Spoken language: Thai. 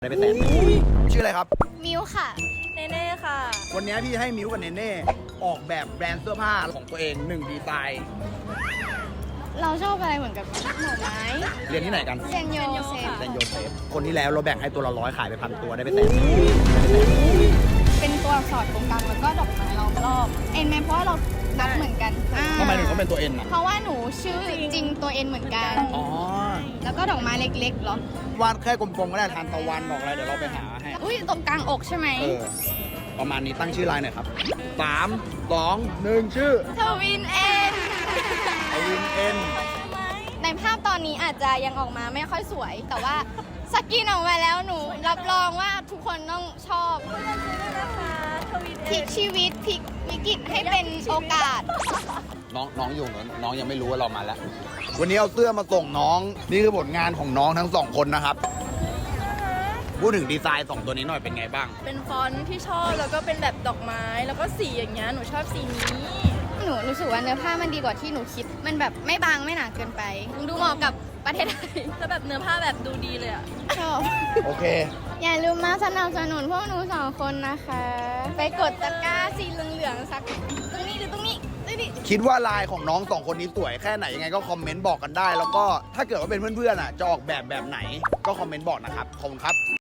ได้ไปแสนชื่ออะไรครับมิวค่ะเนเน่ค่ะวันนี้พี่ให้มิวกับเนเน่ออกแบบแบรนด์เสื้อผ้าของตัวเอง1ดีไซน์เราชอบอะไรเหมือนกับหน่อไม้เรียนที่ไหนกันเซนโยเซฟเซนโยเซฟคนที่แล้วเราแบ่งให้ตัวละ100ขายไป1,000ตัวได้ไปแสนเป็นตัวอักษรตรงกลางแล้วก็ดอกไม้ล้อมรอบเอ็นไหมเพราะว่าเรานับเหมือนกันทำไมถึงต้องเป็นตัวเอ็นอ่ะเพราะว่าหนูชื่อจริงตัวเอ็นเหมือนกันอ๋อแล้วก็ดอกไม้เล็กๆเหรอวาดแค่กลมๆก็ได้ทานตะวันดอกอะไรเดี๋ยวเราไปหาให้อุ้ยตรงกลางอกใช่ไหมประมาณนี้ตั้งชื่อไลน์หน่อยครับ3 2 1ชื่อทวินเอ็นทวินเอ็นในภาพตอนนี้อาจจะยังออกมาไม่ค่อยสวยแต่ว่าสกินออกมาแล้วหนูรับรองว่าทุกคนต้องชอบพลิกชีวิตพลิกวิกฤตให้เป็นโอกาสน้องอยู่เหมือนน้องยังไม่รู้ว่าเรามาแล้ววันนี้เอาเสื้อมาส่งน้องนี่คือผลงานของน้องทั้ง2คนนะครับพูดถึงดีไซน์2ตัวนี้หน่อยเป็นไงบ้างเป็นฟอนต์ที่ชอบแล้วก็เป็นแบบดอกไม้แล้วก็สีอย่างเงี้ยหนูชอบสีนี้หนูรู้สึกว่าเนื้อผ้ามันดีกว่าที่หนูคิดมันแบบไม่บางไม่หนาเกินไปดูเหมาะกับประเทศไทยแล้วแบบเนื้อผ้าแบบดูดีเลยอ่ะชอบโอเคอย่าลืมมาสนับสนุนพวกหนู2คนนะคะไปกดตะกร้าสีเหลืองๆสักตรงนี้หรือตรงนี้คิดว่าลายของน้อง2คนนี้สวยแค่ไหนยังไงก็คอมเมนต์บอกกันได้แล้วก็ถ้าเกิดว่าเป็นเพื่อนๆอ่ะจะออกแบบไหนก็คอมเมนต์บอกนะครับขอบคุณครับ